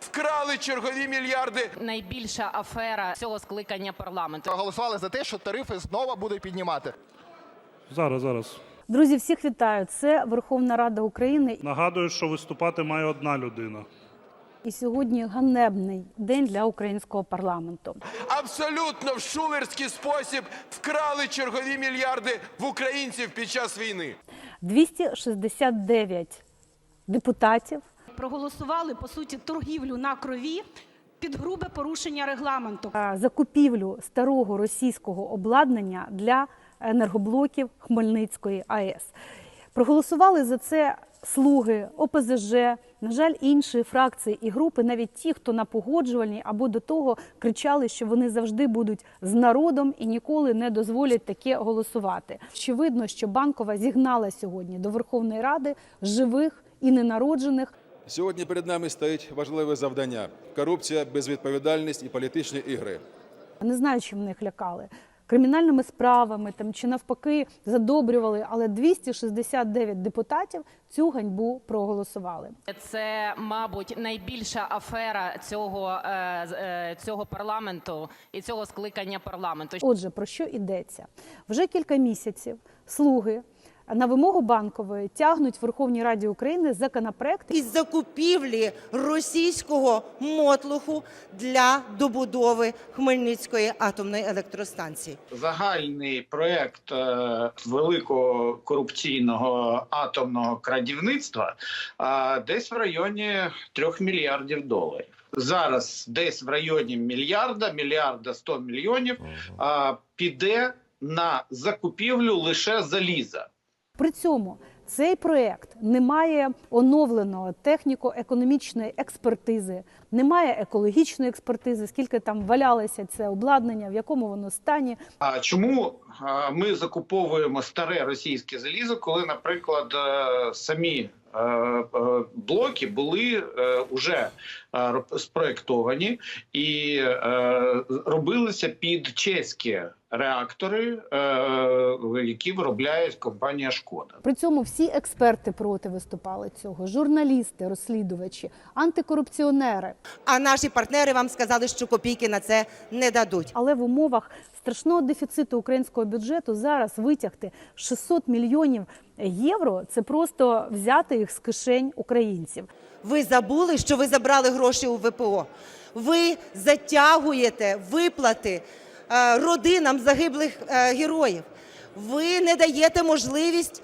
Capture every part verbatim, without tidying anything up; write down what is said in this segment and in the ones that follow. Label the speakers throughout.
Speaker 1: вкрали чергові мільярди.
Speaker 2: Найбільша афера цього скликання парламенту.
Speaker 3: Проголосували за те, що тарифи знову будуть піднімати.
Speaker 4: Зараз, зараз.
Speaker 5: Друзі, всіх вітаю. Це Верховна Рада України.
Speaker 4: Нагадую, що виступати має одна людина.
Speaker 5: І сьогодні ганебний день для українського парламенту.
Speaker 1: Абсолютно в шулерський спосіб вкрали чергові мільярди в українців під час війни.
Speaker 5: двісті шістдесят дев'ять депутатів
Speaker 6: проголосували, по суті, торгівлю на крові під грубе порушення регламенту.
Speaker 5: за купівлю старого російського обладнання для енергоблоків Хмельницької АЕС. Проголосували за це слуги, О Пе Зе Же, на жаль, інші фракції і групи, навіть ті, хто на погоджувальній або до того кричали, що вони завжди будуть з народом і ніколи не дозволять таке голосувати. Очевидно, що Банкова зігнала сьогодні до Верховної Ради живих і ненароджених.
Speaker 7: Сьогодні перед нами стоїть важливе завдання – корупція, безвідповідальність і політичні ігри.
Speaker 5: Не знаю, чим них лякали. Кримінальними справами там, чи навпаки задобрювали, але двісті шістдесят дев'ять депутатів цю ганьбу проголосували.
Speaker 2: Це, мабуть, найбільша афера цього, е, е, цього парламенту і цього скликання парламенту.
Speaker 5: Отже, про що йдеться? Вже кілька місяців слуги на вимогу Банкової тягнуть в Верховній Раді України законопроект
Speaker 8: із закупівлі російського мотлуху для добудови Хмельницької атомної електростанції.
Speaker 9: Загальний проєкт великого корупційного атомного крадівництва десь в районі трьох мільярдів доларів. Зараз десь в районі мільярда, мільярда сто мільйонів піде на закупівлю лише заліза.
Speaker 5: При цьому цей проєкт не має оновленого техніко-економічної експертизи, не має екологічної експертизи, скільки там валялося це обладнання, в якому воно стані.
Speaker 9: А чому ми закуповуємо старе російське залізо, коли, наприклад, самі блоки були вже спроєктовані і робилися під чеські реактори, які виробляє компанія «Шкода».
Speaker 5: При цьому всі експерти проти виступали цього, журналісти, розслідувачі, антикорупціонери.
Speaker 8: А наші партнери вам сказали, що копійки на це не дадуть.
Speaker 5: Але в умовах страшного дефіциту українського бюджету зараз витягти шістсот мільйонів євро – це просто взяти їх з кишень українців.
Speaker 8: Ви забули, що ви забрали гроші у Ве Пе О. Ви затягуєте виплати родинам загиблих героїв. Ви не даєте можливість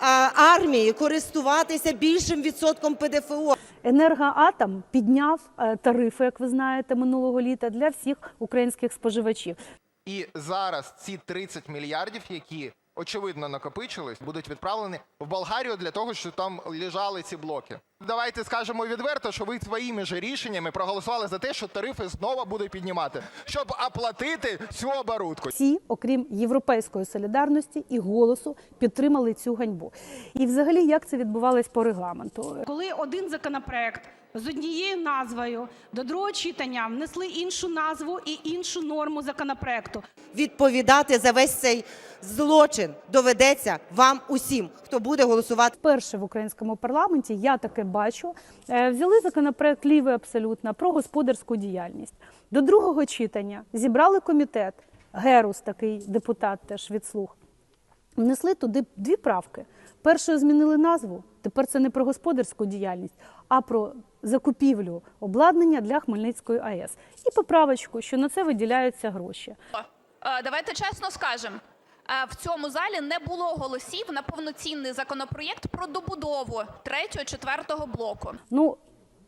Speaker 8: армії користуватися більшим відсотком Пе Де Фе О.
Speaker 5: Енергоатом підняв тарифи, як ви знаєте, минулого літа для всіх українських споживачів.
Speaker 3: І зараз ці тридцять мільярдів, які очевидно накопичились, будуть відправлені в Болгарію для того, щоб там лежали ці блоки. Давайте скажемо відверто, що ви своїми ж рішеннями проголосували за те, що тарифи знову будуть піднімати, щоб оплатити цю оборудку.
Speaker 5: Всі, окрім Європейської солідарності і «Голосу», підтримали цю ганьбу. І взагалі, як це відбувалось по регламенту?
Speaker 6: Коли один законопроект з однією назвою до другого читання внесли іншу назву і іншу норму законопроекту.
Speaker 8: Відповідати за весь цей злочин доведеться вам усім, хто буде голосувати.
Speaker 5: Вперше в українському парламенті, я таке бачу, взяли законопроект лівий абсолютно про господарську діяльність. До другого читання зібрали комітет, Герус такий депутат теж від «Слуг», внесли туди дві правки. Першою змінили назву, тепер це не про господарську діяльність, а про закупівлю обладнання для Хмельницької АЕС. І поправочку, що на це виділяються гроші.
Speaker 10: Давайте чесно скажемо, в цьому залі не було голосів на повноцінний законопроєкт про добудову третього, четвертого блоку.
Speaker 5: Ну,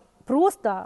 Speaker 5: просто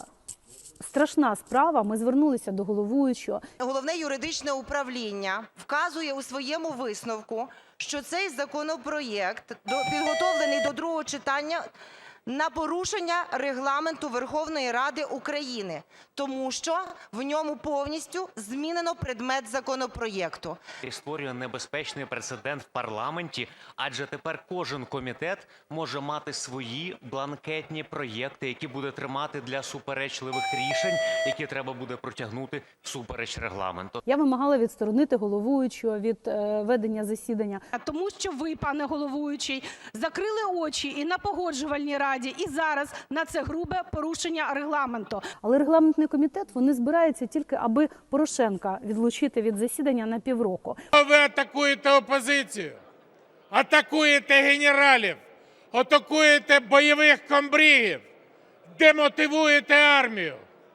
Speaker 5: страшна справа. Ми звернулися до головуючого.
Speaker 8: Головне юридичне управління вказує у своєму висновку, що цей законопроєкт підготовлений до другого читання на порушення регламенту Верховної Ради України, тому що в ньому повністю змінено предмет законопроєкту.
Speaker 11: І створює небезпечний прецедент в парламенті, адже тепер кожен комітет може мати свої бланкетні проєкти, які буде тримати для суперечливих рішень, які треба буде протягнути всупереч регламенту.
Speaker 5: Я вимагала відсторонити головуючого від е, ведення засідання.
Speaker 6: Тому що ви, пане головуючий, закрили очі і на погоджувальній раді, Раді і зараз на це грубе порушення регламенту.
Speaker 5: Але регламентний комітет, вони збираються тільки, аби Порошенка відлучити від засідання на півроку.
Speaker 12: Ви атакуєте опозицію, атакуєте генералів, атакуєте бойових комбрігів, демотивуєте армію.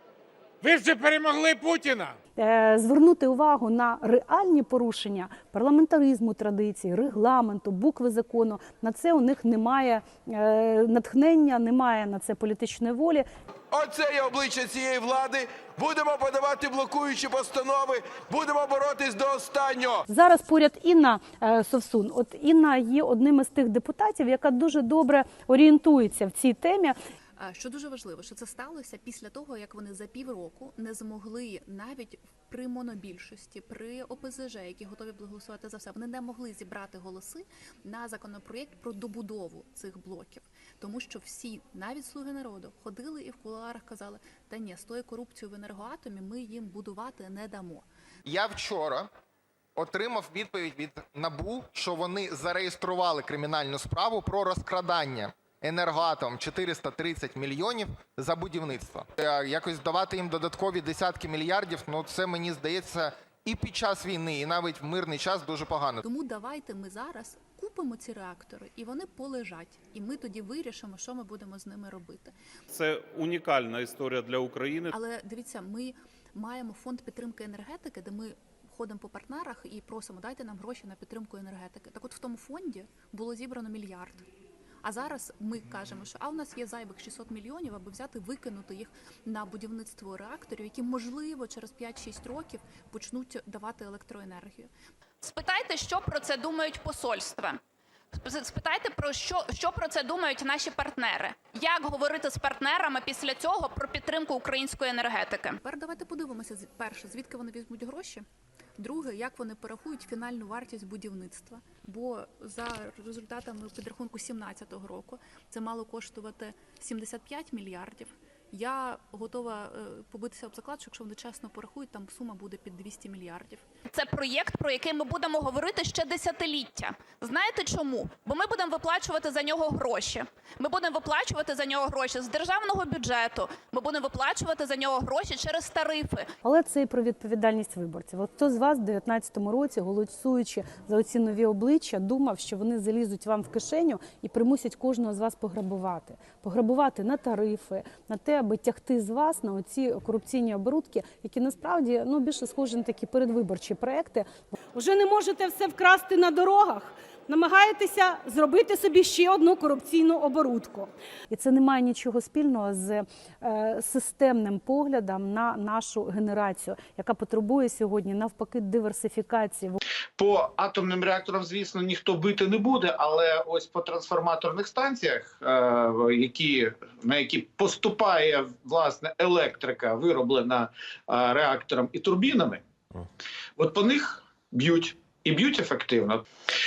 Speaker 12: Ви вже перемогли Путіна.
Speaker 5: Е, Звернути увагу на реальні порушення парламентаризму, традицій, регламенту, букви закону. На це у них немає е, натхнення, немає на це політичної волі.
Speaker 1: Оце є обличчя цієї влади. Будемо подавати блокуючі постанови, будемо боротись до останнього.
Speaker 5: Зараз поряд Інна е, Совсун. От Інна є одним із тих депутатів, яка дуже добре орієнтується в цій темі.
Speaker 13: Що дуже важливо, що це сталося після того, як вони за півроку не змогли навіть при монобільшості, при О Пе Зе Же, які готові були голосувати за все, вони не могли зібрати голоси на законопроєкт про добудову цих блоків. Тому що всі, навіть «Слуги народу», ходили і в кулуарах казали, та ні, з тою корупцією в енергоатомі ми їм будувати не дамо.
Speaker 3: Я вчора отримав відповідь від НАБУ, що вони зареєстрували кримінальну справу про розкрадання Енергоатом чотириста тридцять мільйонів за будівництво. Якось давати їм додаткові десятки мільярдів, ну це, мені здається, і під час війни, і навіть в мирний час дуже погано.
Speaker 13: Тому давайте ми зараз купимо ці реактори, і вони полежать. І ми тоді вирішимо, що ми будемо з ними робити.
Speaker 4: Це унікальна історія для України.
Speaker 13: Але дивіться, ми маємо фонд підтримки енергетики, де ми ходимо по партнерах і просимо, дайте нам гроші на підтримку енергетики. Так от в тому фонді було зібрано мільярд. А зараз ми кажемо, що а у нас є зайвих шістсот мільйонів, аби взяти, викинути їх на будівництво реакторів, які, можливо, через п'ять-шість років почнуть давати електроенергію.
Speaker 10: Спитайте, що про це думають посольства. Спитайте, про що, що про це думають наші партнери. Як говорити з партнерами після цього про підтримку української енергетики?
Speaker 13: Тепер давайте подивимося, перше, звідки вони візьмуть гроші. Друге, як вони порахують фінальну вартість будівництва. Бо за результатами підрахунку сімнадцятого року це мало коштувати сімдесят п'ять мільярдів. Я готова побитися об заклад, що якщо вони чесно порахують, там сума буде під двісті мільярдів.
Speaker 10: Це проєкт, про який ми будемо говорити ще десятиліття. Знаєте чому? Бо ми будемо виплачувати за нього гроші. Ми будемо виплачувати за нього гроші з державного бюджету. Ми будемо виплачувати за нього гроші через тарифи.
Speaker 5: Але це і про відповідальність виборців. От хто з вас в дев'ятнадцятому році, голосуючи за оці нові обличчя, думав, що вони залізуть вам в кишеню і примусять кожного з вас пограбувати. Пограбувати на тарифи, на те, аби тягти з вас на оці корупційні оборудки, які насправді ну, більше схожі на такі передвиборчі проекти.
Speaker 6: Уже не можете все вкрасти на дорогах, намагаєтеся зробити собі ще одну корупційну оборудку.
Speaker 5: І це не має нічого спільного з е, системним поглядом на нашу генерацію, яка потребує сьогодні навпаки диверсифікації.
Speaker 9: По атомним реакторам, звісно, ніхто бити не буде, але ось по трансформаторних станціях, е, які, на які поступає власне електрика, вироблена е, реактором і турбінами, от по них б'ють. І б'ють ефективно.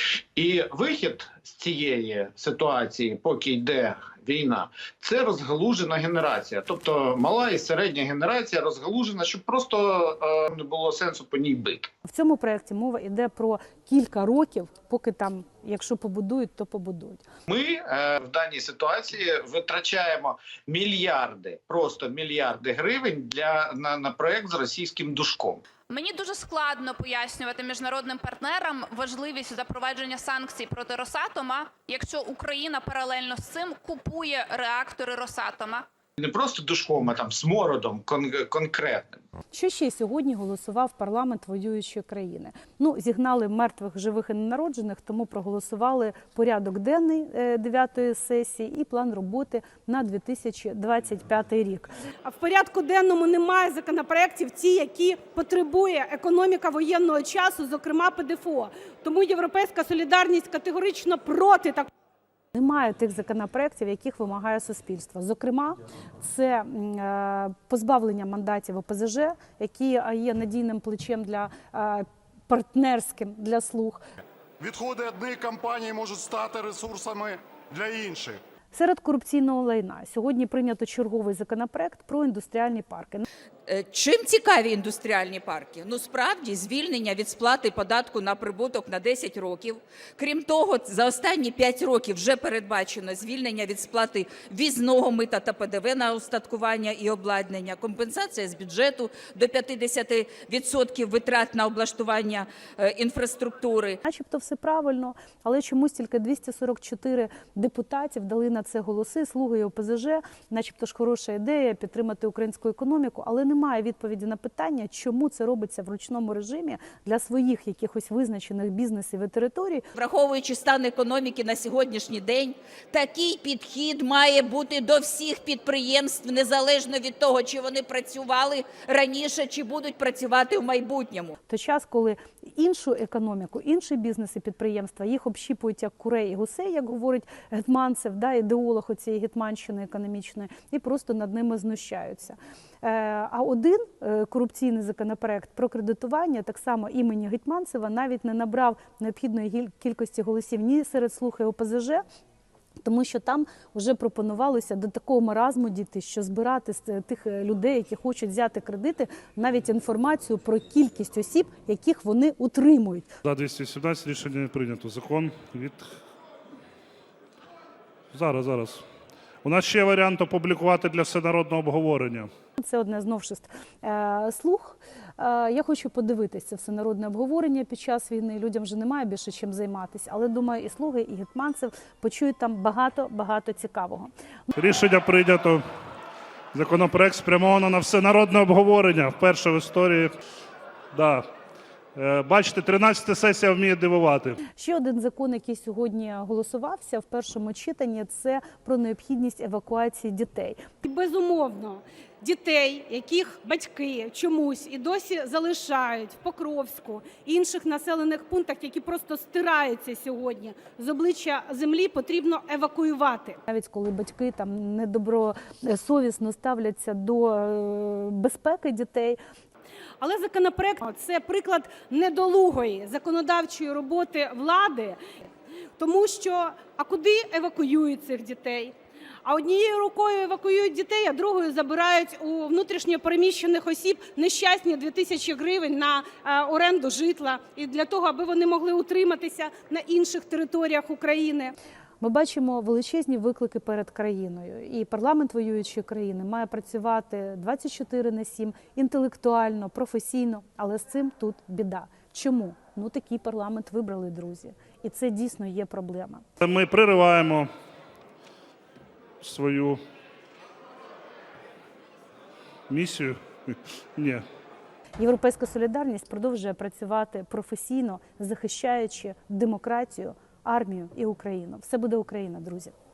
Speaker 9: І вихід з цієї ситуації, поки йде війна, це розгалужена генерація. Тобто мала і середня генерація розгалужена, щоб просто е, не було сенсу по ній бити.
Speaker 5: В цьому проєкті мова йде про кілька років, поки там, якщо побудують, то побудують.
Speaker 9: Ми е, в даній ситуації витрачаємо мільярди, просто мільярди гривень для, на, на проєкт з російським душком.
Speaker 10: Мені дуже складно пояснювати міжнародним партнерам важливість запровадження санкцій проти Росатома, якщо Україна паралельно з цим купує реактори Росатома.
Speaker 9: Не просто душком, а там смородом кон конкретним.
Speaker 5: Що ще сьогодні голосував парламент воюючої країни? Ну, зігнали мертвих, живих і ненароджених, тому проголосували порядок денний дев'ятої сесії і план роботи на дві тисячі двадцять п'ятий рік.
Speaker 6: А в порядку денному немає законопроєктів ті, які потребує економіка воєнного часу, зокрема Пе Де Еф О. Тому «Європейська солідарність» категорично проти такого.
Speaker 5: Немає тих законопроєктів, яких вимагає суспільство. Зокрема, це позбавлення мандатів О Пе Зе Же, які є надійним плечем для партнерським для «Слуг».
Speaker 14: Відходи однієї компанії можуть стати ресурсами для інших.
Speaker 5: Серед корупційного лайна сьогодні прийнято черговий законопроект про індустріальні парки.
Speaker 15: Чим цікаві індустріальні парки? Ну, справді, звільнення від сплати податку на прибуток на десять років. Крім того, за останні п'ять років вже передбачено звільнення від сплати ввізного мита та Пе Де Ве на устаткування і обладнання, компенсація з бюджету до п'ятдесят відсотків витрат на облаштування е, інфраструктури.
Speaker 5: Начебто все правильно, але чомусь тільки двісті сорок чотири депутатів дали на це голоси, слуги і О Пе Зе Же, начебто ж хороша ідея підтримати українську економіку, але немає відповіді на питання, чому це робиться в ручному режимі для своїх якихось визначених бізнесів і територій.
Speaker 15: Враховуючи стан економіки на сьогоднішній день, такий підхід має бути до всіх підприємств, незалежно від того, чи вони працювали раніше, чи будуть працювати в майбутньому.
Speaker 5: То час, коли іншу економіку, інші бізнес і підприємства, їх общіпують як курей і гусей, як говорить Гетманцев, да, ідеолог оцієї гетманщини економічної, і просто над ними знущаються. А один корупційний законопроект про кредитування, так само імені Гетманцева, навіть не набрав необхідної кількості голосів ні серед слуг і О Пе Зе Же, тому що там вже пропонувалося до такого маразму дійти, що збирати з тих людей, які хочуть взяти кредити, навіть інформацію про кількість осіб, яких вони утримують.
Speaker 16: За двісті сімнадцять рішення не прийнято. Закон від... Зараз, зараз. У нас ще є варіант опублікувати для всенародного обговорення.
Speaker 5: Це одне з новшеств е, слуг. Е, я хочу подивитися це всенародне обговорення під час війни. Людям вже немає більше чим займатися. Але, думаю, і слуги, і Гетманцев почують там багато-багато цікавого.
Speaker 16: Рішення прийнято. Законопроект спрямовано на всенародне обговорення. Вперше в історії. Да. Бачите, тринадцята сесія вміє дивувати.
Speaker 5: Ще один закон, який сьогодні голосувався в першому читанні, це про необхідність евакуації дітей.
Speaker 6: Безумовно, дітей, яких батьки чомусь і досі залишають в Покровську, інших населених пунктах, які просто стираються сьогодні з обличчя землі, потрібно евакуювати.
Speaker 5: Навіть коли батьки там недобросовісно ставляться до безпеки дітей.
Speaker 6: Але законопроект – це приклад недолугої законодавчої роботи влади, тому що, а куди евакуюють цих дітей? А однією рукою евакуюють дітей, а другою забирають у внутрішньо переміщених осіб нещасні дві тисячі гривень на оренду житла, і для того, аби вони могли утриматися на інших територіях України.
Speaker 5: Ми бачимо величезні виклики перед країною. І парламент воюючої країни має працювати двадцять чотири на сім, інтелектуально, професійно, але з цим тут біда. Чому? Ну, такий парламент вибрали, друзі. І це дійсно є проблема.
Speaker 16: Ми пририваємо свою місію. Ні.
Speaker 5: Європейська солідарність продовжує працювати професійно, захищаючи демократію, армію і Україну. Все буде Україна, друзі.